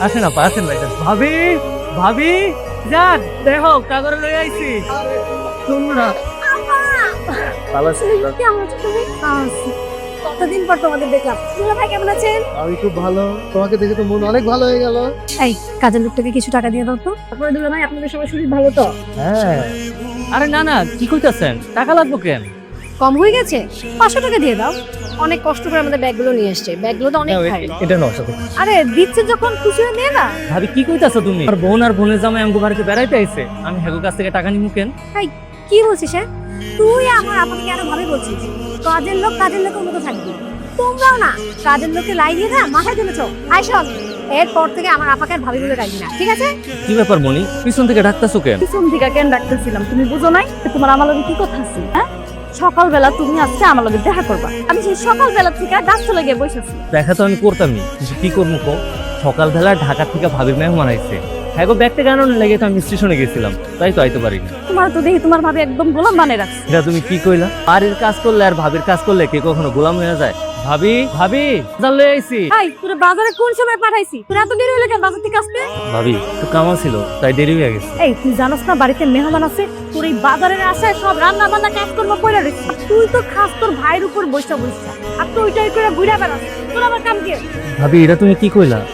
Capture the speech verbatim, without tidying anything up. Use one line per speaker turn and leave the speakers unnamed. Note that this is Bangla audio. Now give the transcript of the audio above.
আসেন আপা, আসেন ভাই। ভাবি, ভাবি, যান দেখো কাগরে লই আইছি। তোমরা ভালো আছো?
কেমন আছো তুমি? আছি। কতদিন পর তোমাদের দেখলাম। দুলা ভাই কেমন আছেন?
আমি খুব ভালো, তোমাকে দেখে তো মন অনেক ভালো হয়ে গেল।
এই কাজের লোকটাকে কিছু টাকা দিয়ে দাও তো। তারপরে দুলা ভাই আপনাদের সবার শরীর ভালো তো?
হ্যাঁ,
আরে না না, কি কইতাছেন? টাকা লাগবো কেন?
কম হয়ে গেছে? পাঁচশো টাকা দিয়ে দাও। অনেক কষ্ট করে আমাদের ব্যাগগুলো নিয়ে এসছে। ব্যাগগুলো তো অনেক ভারী।
এটা নয় সাথে।
আরে দিচ্ছে যখন খুশি হয়ে নিয়ে না।
ভাবি কি কইতাছো তুমি? আর বোন আর বোনের জামাই আমগো বাড়িতে বেড়াইতে আইছে, আমি হেগো কাছ থেকে টাকা নিমু কেন?
এই কি বলছিস হ্যাঁ? তুই আমার আপনাকে কেন ভাবে বলছিস? কাজের লোক কাজের লোকের মতো থাকবি। তোমরাও না কাজের লোককে লাই দিয়ে না মাথায় তুলেছো। আই শোন, এরপর থেকে আমার আপাকে আর ভাবি বলে ডাকবি না, ঠিক আছে?
কি ব্যাপার মনি, পিছন থেকে ডাকতাছো কেন?
পিছন থেকে কেন ডাকতেছিলাম তুমি বুঝো নাই? তোমার আমার লগে কি কথা আছে হ্যাঁ? সকালবেলা তুমি আজকে আমার লগে দেখা করবা। আমি সেই সকালবেলা থেকে গাছতলা গিয়ে বসেছি।
দেখা তো আমি করতামই, কিন্তু কি করবো কো? সকালবেলা ঢাকা থেকে ভাবির মেহমান আইছে, হ্যাঁ গো ব্যাগটা কেন লেগে তো আমি স্টেশনে গেছিলাম, তাই তো আইতে পারিনি।
তোমার তো দেখি তোমার ভাবি একদম গোলাম বানিয়ে রাখছে।
এটা তুমি কি কইলা? বাড়ির কাজ করলে আর ভাবির কাজ করলে কে কখনো গোলাম হয়ে যায়? ভাবি, ভাবি, বাজার লয়ে আইছি।
এই তোরে বাজারে কোন সময় পাঠাইছি? তোর এত দেরি হলো কেন বাজার থেকে আসতে?
ভাবি তো কামা ছিল, তাই দেরি হয়ে গেছে।
এই তুই জানোস না বাড়িতে মেহমান আছে? তোর এই বাজারের আশায় সব রান্না বান্না কাজ করবো পয়লা রেখেছি। তুই তো খাস তোর ভাইয়ের উপর বৈশা বৈশা, আর তুই ওইটাই করে ঘুরে বেড়াস। তোর আবার কাম কি?
ভাবি এটা তুমি কি কইলা?